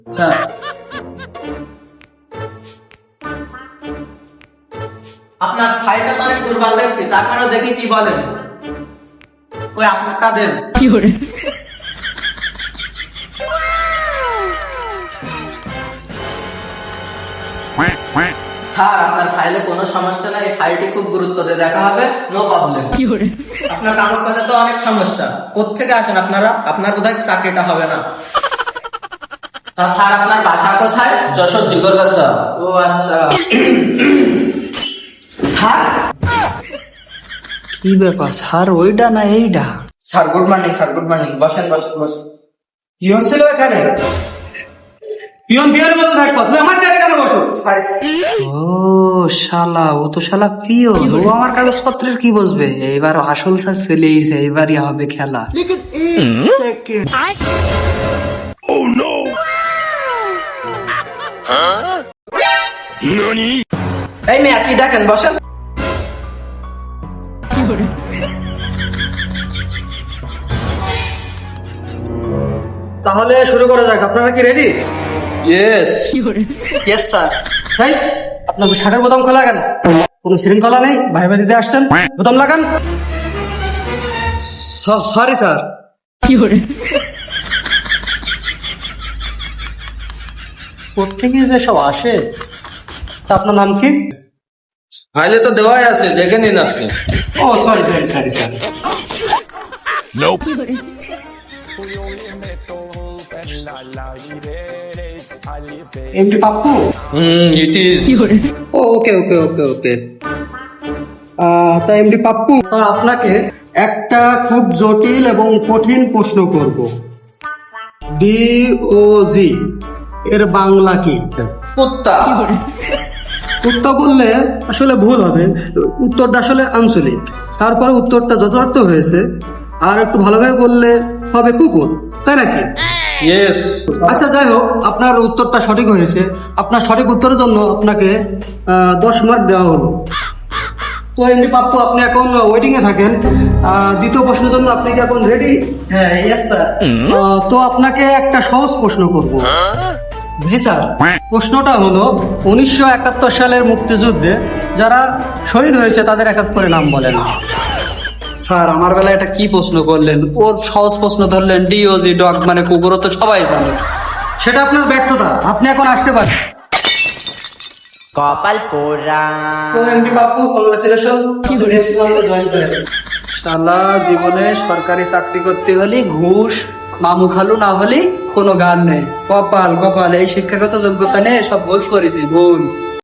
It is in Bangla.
স্যার, আপনার ফাইলটা তো অনেক দুর্বল লাগছে, তারপরেও দেখি কি বলেন। ওই আপনারটা দেন। স্যার, আপনার ফাইলে কোনো সমস্যা নাই, এই ফাইলটি খুব গুরুত্ব দিয়ে দেখা হবে, নো প্রবলেম। আপনার কাগজপত্রে তো অনেক সমস্যা, কোত্থেকে আসেন আপনারা? আপনার বোধহয় চাকরিটা হবে না। তা স্যার, আপনার বাসা কোথায়? যশোর জিগরগাছা। ও আচ্ছা। স্যার, কি ব্যাপার স্যার, ওইটা না এইটা? Sir good morning, sir good morning, বসেন বসেন বসেন। কি হচ্ছিল এখানে? পিয়ন পিয়নের মতো থাকবো, তুমি আমার চেয়ারে কেন বসো? স্যার, ও শালা, ও তো শালা পিয়ন, ও আমার কাগজপত্রের কি বসবে? এইবার আসল স্যার চলেইছে, এইবারই হবে খেলা। এই মেয়ে কি দেখেন, বসেন। তাহলে শুরু করা যাক, আপনারা কি রেডি? ইয়েস। Yes sir. এই, আপনার শার্টের বোতাম খোলা কেন? কোনো শৃঙ্খলা নেই? ভাইবা দিতে আসছেন, বোতাম লাগান। Sorry sir. কোথেকে যে সব আসে? তা আপনার নাম কি? ফাইলে তো দেওয়াই আছে, দেখে নিন আপনি। ও sorry sorry sorry sorry. MD Pappu? It is. Okay okay okay okay. তা এমডি পাপ্পু, আপনাকে একটা খুব জটিল এবং কঠিন প্রশ্ন করব। ডিওজি এর বাংলা কি? কুত্তা। উত্তর বললে আসলে ভুল হবে, উত্তরটা আসলে আঞ্চলিক। তারপরে উত্তরটা যথার্থ হয়েছে, আর একটু ভালোভাবে বললে হবে কুকুর, তাই নাকি? ইয়েস। আচ্ছা যাই হোক, আপনার উত্তরটা সঠিক হয়েছে। আপনার সঠিক উত্তরের জন্য আপনাকে 10 মার্ক দেওয়া হলো। তো এমনি পাপ্পু, আপনি এখন ওয়েটিং এ থাকেন। দ্বিতীয় প্রশ্নের জন্য আপনি কি এখন রেডি? হ্যাঁ, ইয়েস স্যার। তো আপনাকে একটা সহজ প্রশ্ন করব। জি স্যার। প্রশ্নটা হলো 1971 সালের মুক্তিযুদ্ধে যারা শহীদ হয়েছে তাদের এক এক করে নাম বলেন। স্যার, আমার বেলায় এটা কি প্রশ্ন করলেন? ওর সহজ প্রশ্ন ধরলেন, ডিওজি ডগ মানে কুকুর, তো সবাই জানে। সেটা আপনার ব্যর্থতা, আপনি এখন আসতে পারেন। কপাল পোড়া। তো এমডি পাপ্পু, কংগ্রেচুলেশন, জয়েন করেন। শালা, জীবনে সরকারি চাকরি করতে হলে ঘুষ মামু খালু না হলে কোনো গান নেই। কপাল কপাল, এই শিক্ষাগত যোগ্যতা নেই, সব ভুল করেছি, ভুল।